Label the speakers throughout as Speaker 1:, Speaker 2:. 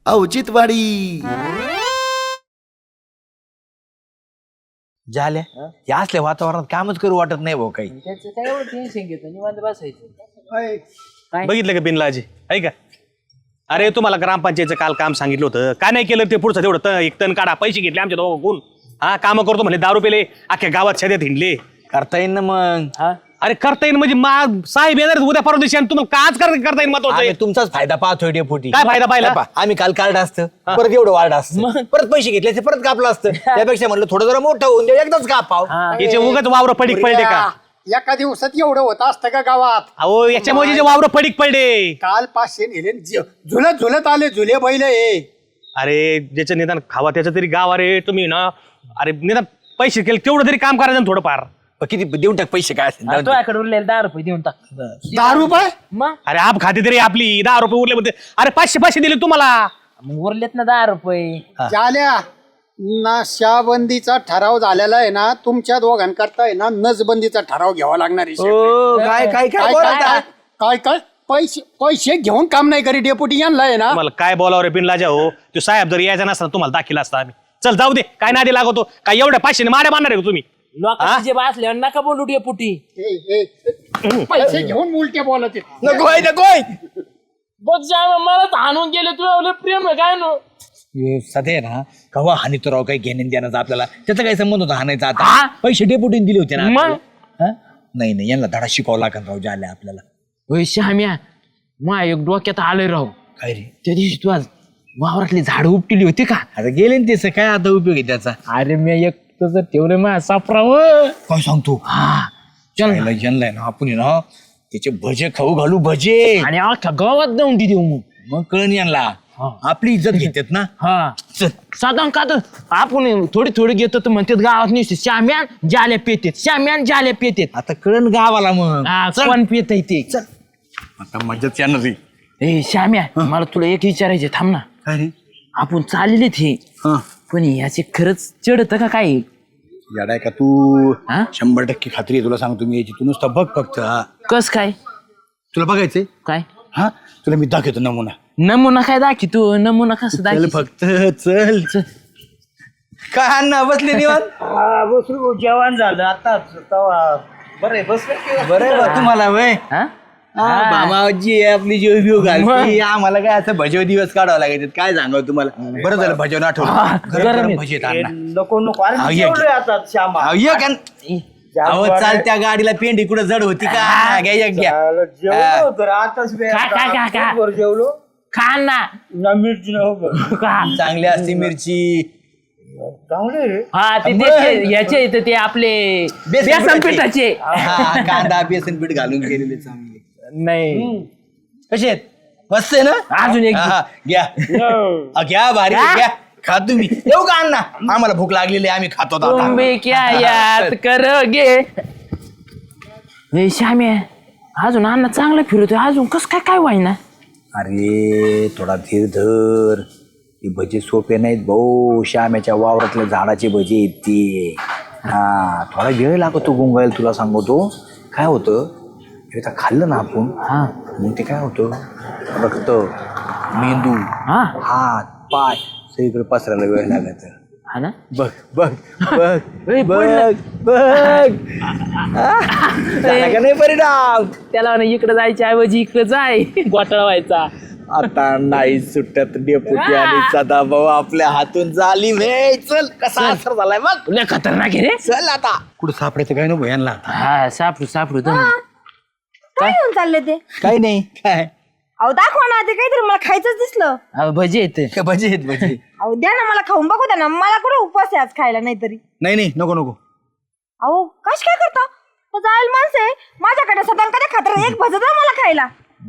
Speaker 1: औचित्यवाडी.
Speaker 2: झाल्या या असल्या वातावरणात कामच करू वाटत नाही भाऊ काही.
Speaker 3: त्याचं काय एवढं टेन्शन घेतो निवांत बसायचं.
Speaker 4: बघितलं का बिनलाजी आहे का? अरे तुम्हाला ग्रामपंचायतचं काल काम सांगितलं होतं, का नाही केलं ते पुढचं तेवढं एक तण काढा, पैसे घेतले आमच्या दोघं. हा काम करतो म्हणजे दारू पेले अख्ख्या गावात सध्यात हिंडले.
Speaker 2: करता येईल ना मग.
Speaker 4: अरे करता येईल म्हणजे साहेब येणार उद्या परवा दिवशी आणि तुम्हाला काच करता येईल महत्वाचं आहे.
Speaker 2: तुमचाच फायदा पाहतोय डेपुटी.
Speaker 4: काय फायदा पाहिला?
Speaker 2: आम्ही काल कार्ड असतं परत एवढं वाढ असतं परत पैसे घेतले असते, परत कापलं असतं. त्यापेक्षा म्हणलं थोडं जरा मोठं होऊन द्या एकदाच कापाव.
Speaker 4: याचे उगाच वावर पडीक पडले का?
Speaker 5: एका दिवसात एवढं होत असतं का गावात?
Speaker 4: अहो याच्यामुळे जे वावर पडीक पडले.
Speaker 5: काल 500 नेले झुलत झुलत आले झुले बैल हे.
Speaker 4: अरे ज्याचं निदान खावा त्याचं तरी गाव. अरे तुम्ही ना अरे निदान पैसे केले तेवढं तरी काम करायचं ना थोडंफार.
Speaker 2: किती देऊन टाक पैसे काय असेल.
Speaker 3: तुझ्याकडे उरलेले 10 रुपये देऊन टाक.
Speaker 5: 10 रुपये?
Speaker 3: मग
Speaker 4: अरे आप खाते तरी आपली 10 रुपये उरले म्हणते. अरे 500 दिले तुम्हाला.
Speaker 3: मग उरलेत ना 10 रुपये.
Speaker 5: झाल्या नशाबंदीचा ठराव झालेला आहे ना, तुमच्या दोघांकरता आहे ना नसबंदीचा ठराव घ्यावा लागणार आहे.
Speaker 2: काय काय
Speaker 5: काय काय काय काय पैसे पैसे घेऊन काम नाही करी डेपुटी यांना आहे ना.
Speaker 4: तुम्हाला काय बोलावं रे बिनलाजा हो. तो साहेब जर यायचा नसता तुम्हाला दाखिला असता आम्ही. चल जाऊ दे काय नादी लागतो काय एवढ्या 500 माड्या मारणार आहे का तुम्ही?
Speaker 3: लोकांचे जे बसल्यावर नका बोलू डेपुटी.
Speaker 5: पैसे घेऊन उलटे बोलत आहेत.
Speaker 2: नकोय नकोय.
Speaker 3: बघ मला तर हाणून गेले तुला प्रेम आहे काय नो.
Speaker 2: सध्या ना कवा हानी तो राव काही घेणे देण्याचा आपल्याला त्याचा काही संबंध होता हाणायचा. आता पैसे डेपुटीने दिले होते ना.
Speaker 3: मग?
Speaker 2: नाही नाही यांना धडा शिकावं लागेल राव झाल्या आपल्याला.
Speaker 3: होय श्याम्या मा एक डोक्यात आलोय राव.
Speaker 2: काय रे
Speaker 3: त्या दिवशी तू आज वावरातली झाडं उपटिली होती का?
Speaker 2: आता गेले ना त्याचं काय आता उपयोग आहे त्याचा.
Speaker 3: अरे मी एक तसं ठेवलं मा सापराव.
Speaker 2: काय सांगतो जनलाय ना आपण ना त्याचे भजे खाऊ घालू भजे
Speaker 3: आणि अख्ख्या गावात जाऊन ती देऊ
Speaker 2: मग कळण यांना आपली इज्जत घेतात ना.
Speaker 3: हा
Speaker 2: चल
Speaker 3: साधारण का तर आपण थोडी थोडी घेतो तर म्हणतात गावात नुसते श्याम्यान जाल्या पेतेत श्याम्यान जाल्या पेतेत.
Speaker 2: आता कळण गावाला मग.
Speaker 3: कोण पेत ते?
Speaker 2: आता मजाच येणार रे.
Speaker 3: ए श्याम्या मला तुला एक विचारायचे थांब ना.
Speaker 2: काय रे
Speaker 3: आपण चाललेले हे पण याचे खरंच चढत का काय?
Speaker 2: याडाय का तू
Speaker 3: हा?
Speaker 2: 100% खात्री आहे तुला सांगतो मी याची. तू नुसतं बघ फक्त.
Speaker 3: कस काय
Speaker 2: तुला बघायचंय
Speaker 3: काय
Speaker 2: हा तुला मी दाखवतो नमुना.
Speaker 3: नमुना काय दाखी तू नमुना कसं
Speaker 2: चल
Speaker 3: दाखी?
Speaker 2: फक्त चल. काय अण्णा बसले निवांत?
Speaker 6: बसलो जेवण झालं आता बरं
Speaker 2: बरं तुम्हाला वय
Speaker 3: हा?
Speaker 2: मामाजी आपली जीव बिव घालती आम्हाला काय असं भजव दिवस काढावं लागायचे. काय सांगावं तुम्हाला. बरं झालं भजवून आठवलं. गरम भजी आहेत अण्णा.
Speaker 6: नको नको अरे
Speaker 2: हा,
Speaker 6: मी
Speaker 2: ये,
Speaker 6: जेवलोय आता श्यामा.
Speaker 2: अहो, ये का? अहो चालत्या गाडीला पेंडी कुठं जड होती का? घ्या एक घ्या.
Speaker 6: जेवलो होतो रे, आताच मी
Speaker 3: काय?
Speaker 6: वर जेवलो
Speaker 3: खा ना.
Speaker 6: ना मिरची नव्हतं
Speaker 3: खा.
Speaker 2: चांगली असते मिरची.
Speaker 6: चांगले रे.
Speaker 3: हा ते त्याचे याचे इथं ते आपले बेसन पिठाचे.
Speaker 2: हा, कांदा बेसन पीठ घालून केलेले चांगले.
Speaker 3: नाही
Speaker 2: कसे आहेत मस्त आहे ना.
Speaker 3: अजून एक
Speaker 2: हा, घ्या घ्या भारी आहे, घ्या खा तुम्ही. येऊ का अण्णा? आम्हाला भूक लागलेली आहे, आम्ही खातो आता.
Speaker 3: तुम्ही क्या याद करोगे. श्याम्या अजून अण्णा चांगला फिरतोय अजून कस काय काय व्हायना.
Speaker 2: अरे थोडा धीर धर. हे भजे सोपे नाहीत भाऊ. श्याम्याच्या वावरातल्या झाडाचे भजे आहेत ते. हा थोडा वेळ लागतो गुंगायला तुला सांगतो. काय होतं एकदा खाल्लं ना आपण
Speaker 3: हा
Speaker 2: मग ते काय होतं रक्त मेंदू
Speaker 3: हा
Speaker 2: हात पाय सगळीकडे पसरायला वेळ लागायचा.
Speaker 3: हा ना.
Speaker 2: बघ बघ बघ
Speaker 3: ए,
Speaker 2: बघ
Speaker 3: पडलं.
Speaker 2: बघ झाला का नाही परिणाम.
Speaker 3: त्याला म्हणे इकडे जायच्या ऐवजी इकडे जाय घोटाळा व्हायचा.
Speaker 2: आता नाही सुटत डेपुटी आणि सदाभाऊ आपल्या हातून झाली वे. चल कसा असर झालाय बघ.
Speaker 3: तुला खतरनाक आहे रे.
Speaker 2: चल आता कुठं सापडायचं काय नको यांना.
Speaker 3: हा सापडू
Speaker 7: काय घेऊन चालले ते?
Speaker 2: काही नाही काय
Speaker 7: अहो दाखवा ना ते काहीतरी मला खायचंच दिसलं.
Speaker 3: भजी येते.
Speaker 2: काय भजी आहेत भजी.
Speaker 7: अहो द्या ना मला खाऊन बघू द्या ना. मला कुठे उपवास आहे आज खायला नाही तरी.
Speaker 2: नाही नाही नको नको.
Speaker 7: अहो कश काय करता? तो जायल माणसं आहे माझ्याकडे सदान कधी खातर एक भजत मला खायला.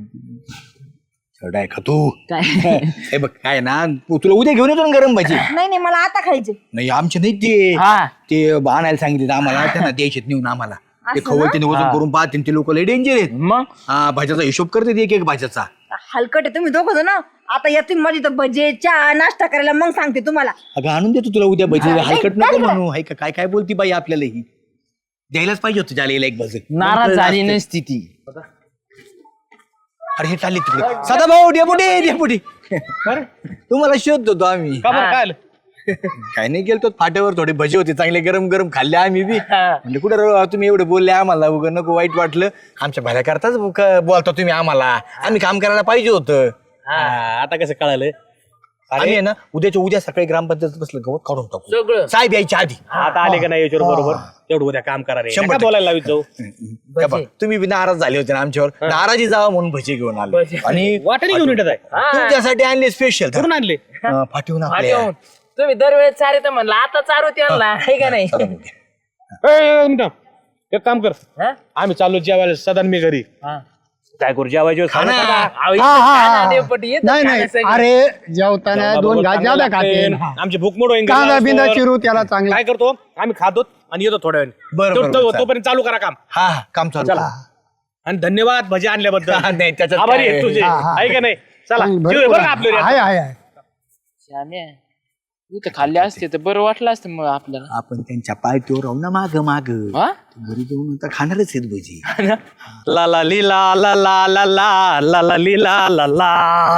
Speaker 2: चढाय का तू.
Speaker 3: काय
Speaker 2: हे बघ काय ना तुला उद्या घेऊन येतो ना गरम भजी.
Speaker 7: नाही नाही मला आता खायचे.
Speaker 2: नाही आमचे नाही ते
Speaker 3: हा
Speaker 2: ते आणायला सांगितले आम्हाला त्यांना द्यायचे नेऊन आम्हाला. ते
Speaker 7: असं
Speaker 2: खवळते वजन करून पाहते ते लोक लय डेंजर आहेत.
Speaker 3: मग
Speaker 2: हा भाज्याचा हिशोब करते एक एक भाज्याचा.
Speaker 7: हलकट आहे तुम्ही दोघं ना. आता या तुम्ही माझी तर भजे चहा नाश्ता करायला मग सांगते तुम्हाला.
Speaker 2: अगं आणून देतो तुला उद्या भजी.
Speaker 7: हा,
Speaker 2: हलकट
Speaker 7: नाही,
Speaker 2: नको
Speaker 7: नाही.
Speaker 2: म्हणू. हाय का काय काय बोलती बाई आपल्याला ही द्यायलाच पाहिजे होतं जालेला एक भजी.
Speaker 3: नाराज झाली नसती ती.
Speaker 2: अरे हे टाली तिकडे सदा भाऊ डेपुटी तुम्हाला शोधतो तो आम्ही
Speaker 4: का बरं काय आलं?
Speaker 2: काही नाही गेलतो फाट्यावर थोडे भजे होते चांगले गरम गरम खाल्ले आम्ही बी म्हणजे कुठे तुम्ही एवढे बोलले आम्हाला उगा नको वाईट वाटलं आमच्या भल्या करताच बोलता तुम्ही आम्हाला आम्ही काम करायला पाहिजे होतं
Speaker 4: आता कसं कळालं?
Speaker 2: आम्ही आहे ना उद्या सकाळी ग्रामपंचायत बसलं गवत काढून टाकू
Speaker 3: सगळं
Speaker 2: साहेब यायच्या आधी
Speaker 4: आता आले का नाही याच्यावर बरोबर तेवढं उद्या काम करा रे.
Speaker 2: 100%
Speaker 4: नका बोलायला लावित जाऊ.
Speaker 2: का बा, तुम्ही बी नाराज झाले होते ना आमच्यावर नाराजी जावा म्हणून भजे घेऊन आले आणि
Speaker 4: वाटाणे घेऊन येतात आहे.
Speaker 2: तुमच्यासाठी आणले स्पेशल
Speaker 4: कुठून आणले?
Speaker 2: फाटीहून आपल्या
Speaker 3: तुम्ही दरवेळेस चारे तर म्हणलं आता चारू त्यांना आहे का नाही
Speaker 4: ए, मिनिटं. एक काम कर
Speaker 3: हा?
Speaker 4: आम्ही चाललो जेवायला सदन मी घरी
Speaker 3: हा.
Speaker 4: काय करू जेवायचे
Speaker 2: खाना.
Speaker 3: अहो, इथं खाना देवपटी येतं
Speaker 5: नाही
Speaker 3: खाना
Speaker 5: नाही
Speaker 3: सगळं.
Speaker 5: अरे जेवताना 2 घास ज्यादा खाते
Speaker 4: आमची भूक मोड होईल
Speaker 5: कांदा बिंदा चिरू त्याला चांगला
Speaker 4: काय करतो आम्ही खातो आणि येतो थोड्या वेळाने
Speaker 2: बरं, बरं,
Speaker 4: तो-
Speaker 2: बरं,
Speaker 4: तोपर्यंत चालू करा काम
Speaker 2: हा हा काम चालू
Speaker 4: चला. आणि धन्यवाद भजी आणल्याबद्दल
Speaker 2: नाही त्याच्यात
Speaker 4: आभारी
Speaker 2: काय
Speaker 4: आहे तुझे
Speaker 5: हा, हा.
Speaker 4: आहे का नाही चला
Speaker 5: चांगली
Speaker 4: जेवूया बरं का आपलं रे.
Speaker 5: आहे
Speaker 3: श्याम्या, इथं खाल्ले असते तर बरं वाटलं असतं मग आपल्याला
Speaker 2: आपण त्यांच्या पायथ्यावर राहू ना माग माग
Speaker 3: हा?
Speaker 2: घरी जाऊन आता खाणारच आहेत भजी
Speaker 4: ला ला ली ला ला ला ला ला ला ला ली ला ला ला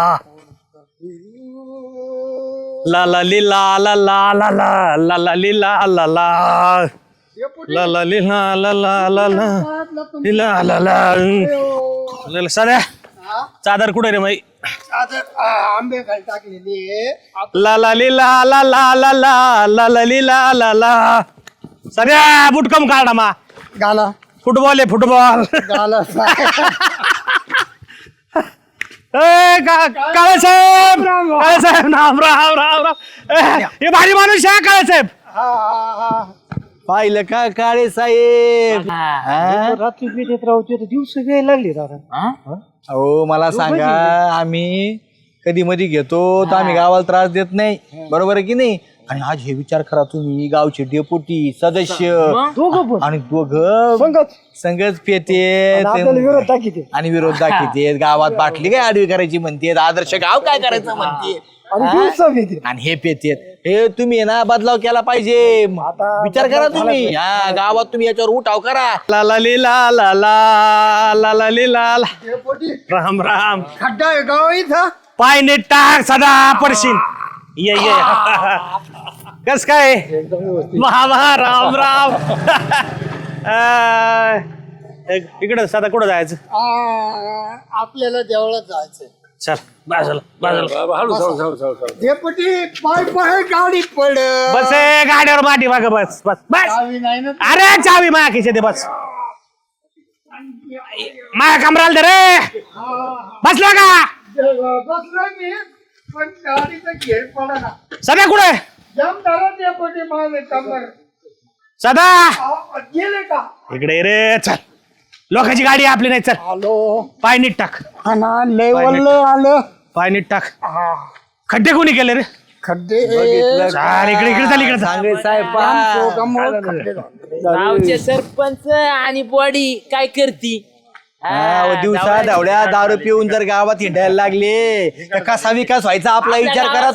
Speaker 4: ला ला ली ला ला ला ला ला ला ला ली ला ला ला ला ला ली ला ला ला ला ला ली ला ला ला साध्या चादर कुठे रे माई
Speaker 5: आंबे खाली टाकलेली
Speaker 4: ला ला ली ला ला ला ला ला ला ला ली ला ला ला साध्या बुटकम काढा मा
Speaker 5: गाला
Speaker 4: फुटबॉल आहे फुटबॉल
Speaker 5: गाला
Speaker 4: काळे साहेब राम राम राम राम हे भारी माणूस आहे काळे साहेब
Speaker 2: पाहिलं का काळे साहेब हा?
Speaker 6: रात्री पेटेत राहते तर दिवस वेळ लागली दादा
Speaker 3: हा?
Speaker 2: अहो मला सांगा आम्ही कधी मधी घेतो तर आम्ही गावाला त्रास देत नाही बरोबर आहे की नाही आणि आज हे विचार करा तुम्ही गावचे डेपुटी सदस्य आणि दोघं संगच पेते
Speaker 6: विरोध टाकीते
Speaker 2: आणि विरोध दाखवते गावात बाटली काय आडवी करायची म्हणते आदर्श गाव काय करायचं म्हणते
Speaker 6: आणि दिवसा पेते
Speaker 2: आणि हे पेतेत हे तुम्ही आहे ना बदलाव केला पाहिजे विचार करा तुम्ही हा गावात तुम्ही याच्यावर उठाव करा
Speaker 4: ला ला ली ला ला ला ला ला ली ला ला राम राम
Speaker 5: खड्डा आहे गाव इथं
Speaker 4: पाय नीट टाक सदा पडशील ये ये कस काय महा महा राम राम इकडं सदा कुठं जायचं
Speaker 5: आपल्याला देवळात जायचंय
Speaker 4: चल बाजूला बाजूला
Speaker 5: डेपुटी पाय पाय गाडी पड
Speaker 4: बस ए, गाडीवर माटी माग बस बस बस
Speaker 5: नाही ना
Speaker 4: अरे चावी माया खिशे दे बस माया कमराला दे रे बसला का
Speaker 5: बसलो मी पण गाडीचा घेर पडा ना
Speaker 4: सदा कुठे
Speaker 5: जम धरा डेपुटी माझे कमर
Speaker 4: सदा
Speaker 5: गेले का
Speaker 4: इकडे ये रे चल लोकांची गाडी आहे आपली नाही चल
Speaker 5: हॅलो
Speaker 4: पाय नीट टाक
Speaker 5: हा ना लेवल आलं
Speaker 4: पाय नीट टाक खड्डे कोणी केले रे
Speaker 5: खड्डे
Speaker 4: चाल इकडे इकडे चाल इकडे चाल.
Speaker 2: सांगळे साहेब
Speaker 5: खड्डे
Speaker 3: गावचे सरपंच आणि बॉडी काय करती
Speaker 2: दिवसा धावड्या दारू पिऊन जर गावात हिंडायला लागले तर कसा विकास व्हायचा आपला विचार करा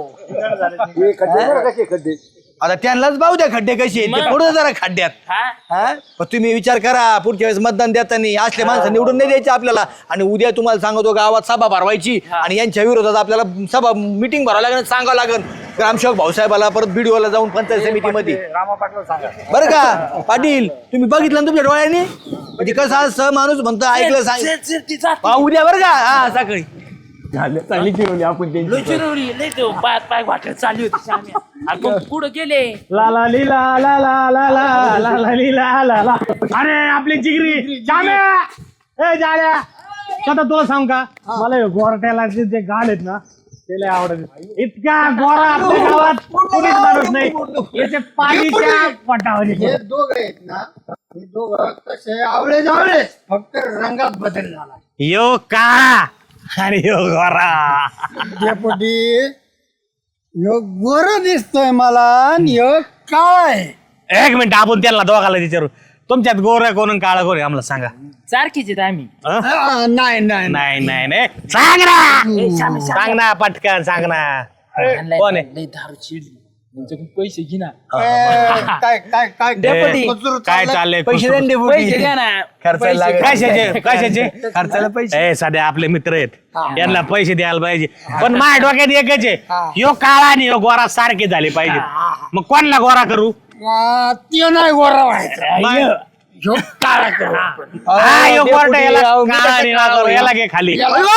Speaker 2: तुम्ही आता त्यांनाच पाहू द्या खड्डे कसे आहेत ते पुढे जरा खड्ड्यात हा? पण तुम्ही विचार करा पुढच्या वेळेस मतदान देताना असले माणसं निवडून नाही द्यायचे आपल्याला आणि उद्या तुम्हाला सांगतो गावात सभा भरवायची आणि यांच्या विरोधात आपल्याला सभा मिटिंग भरावं लागेल सांगावं लागेल ग्रामसेवक भाऊसाहेबाला परत बीडीओला जाऊन पंचायत समितीमध्ये बरं का पाटील तुम्ही बघितलं ना तुमच्या डोळ्यांनी म्हणजे कसं असं माणूस म्हणतो ऐकलं सांग उद्या बरं का हा सकाळी चांगली फिरवली आपण
Speaker 3: पाय वाटत चालली होती श्याम्या. अरे पण पुढं गेले
Speaker 4: ला ला ली ला ला ला ला ला ला ला ली ला ला ला अरे आपली जिगरी जाम्या ए जाल्या आता तुला सांग का मला हे गोरट्याला जे गाल आहेत ना ते लय आवडत इतका गोरा आपल्या गावात कोणीच माणूस नाही याचे पाणीच्या पटावर
Speaker 5: हे दोघ आहेत ना हे दोघं तसे आवळे जावळे फक्त रंगात बदल झाला
Speaker 4: यो का आणि यो गोरा
Speaker 5: डेपुटी ह्यो गोरा दिसतोय मला आणि ह्यो काळा आहे
Speaker 4: एक मिनिट आपण त्यांना दोघाला विचारू तुमच्यात गोरा कोण काळा कोण आहे आम्हाला सांगा
Speaker 3: सारखीच आहेत आम्ही
Speaker 4: हं?
Speaker 5: नाही नाही
Speaker 4: नाही नाही नाही सांग ना सांग ना पटकन सांग ना कोण आहे
Speaker 3: लय दारू चिडली पैसे घे ना
Speaker 5: काय काय काय मजूर
Speaker 1: काय
Speaker 5: चाललंय?
Speaker 1: चाललंय
Speaker 6: पैसे द्या ना डेपुटी.
Speaker 3: पैसे घ्या ना
Speaker 1: कशाचे कशाचे
Speaker 6: खर्चाला पैसे
Speaker 1: ए सध्या आपले मित्र आहेत यांना पैसे द्यायला पाहिजे पण माझ्या डोक्यात एकच आहे यो काळा आणि यो गोरा सारखे झाले पाहिजे मग कोणला गोरा करू
Speaker 5: ते नाही गोरा व्हायचं
Speaker 1: मग-
Speaker 5: ह्यो काळा करू आपण.
Speaker 1: हा, यो गोरटा याला काळा आणि ना करू, याला घे खाली ये खाली,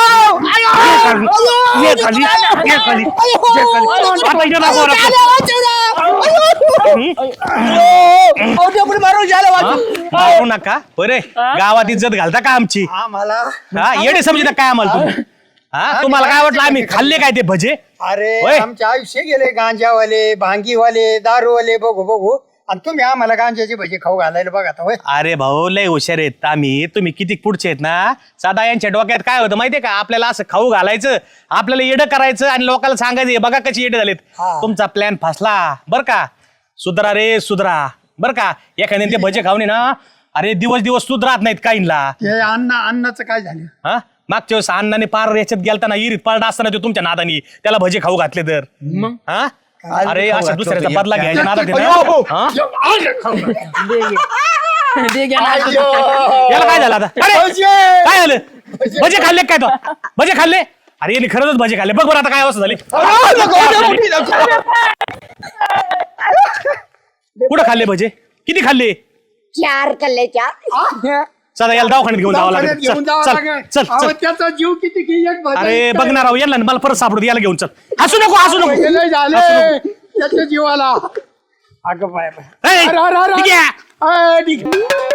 Speaker 1: ये खाली, ये खाली. आता इथं ना गोरा करू. मारू नका बरे गावात इज्जत घालता का आमची
Speaker 5: आम्हाला
Speaker 1: हा येडे समजता काय आम्हाला तुम्ही हा तुम्हाला काय वाटलं आम्ही खाल्ले काय ते भजे
Speaker 5: अरे
Speaker 1: होय.
Speaker 5: आमचे आयुष्य गेले गांजावाले भांगीवाले दारूवाले बघू बघू आणि तुम्ही आम्हाला गांजाचे भजे खाऊ घालायला बघा आता, होय.
Speaker 1: अरे भाऊ लय हुशार आहेत आम्ही तुम्ही किती पुढचे आहेत ना साधा यांच्या डोक्यात काय होतं माहितीये का आपल्याला असं खाऊ घालायचं आपल्याला येडं करायचं आणि लोकांना सांगायचं "हे बघा कशी येडे झालेत तुमचा प्लॅन फसला बर का सुधरा रे सुधरा बर का एखाद्याने ते भजे खाऊन ना अरे दिवस दिवस सुधरात नाहीत काहींना
Speaker 5: ते अन्नाचं काय झालं
Speaker 1: हा मागच्या वेळेस अण्णाने पार याच्यात गेलताना इरीत पाळणा असताना तो तुमच्या नादानी त्याला भजे खाऊ घातले तर हा अरे अशा दुसऱ्याचा बदला घ्यायच्या नादात आहे ना? हा? याला काय झालं आता अरे, काय झालं भजे खाल्ले काय तो भजे खाल्ले अरे यांनी खरंच भजे खाल्ले बघ बरं आता काय अवस्था झाली कुठं खाल्ले भजे किती खाल्ले
Speaker 7: 4 खाल्ले 4
Speaker 1: चला याला दवाखान्यात घेऊन जावं लागेल
Speaker 5: घेऊन जावं
Speaker 1: चल
Speaker 5: लागेल.
Speaker 1: चल चल
Speaker 5: अहो,
Speaker 1: चल
Speaker 5: त्याचा जीव किती की एक भजा
Speaker 1: अरे
Speaker 5: इतका
Speaker 1: बघणार आहो याला मला परत सापडू दे, याला घेऊन चल हसू नको हसू नको
Speaker 5: गेलंय झाले त्याच्या जीवाला अगं बाय बाय
Speaker 1: ए,
Speaker 5: अरे, अरे, अरे,
Speaker 1: ठीक आहे
Speaker 5: ठीक आहे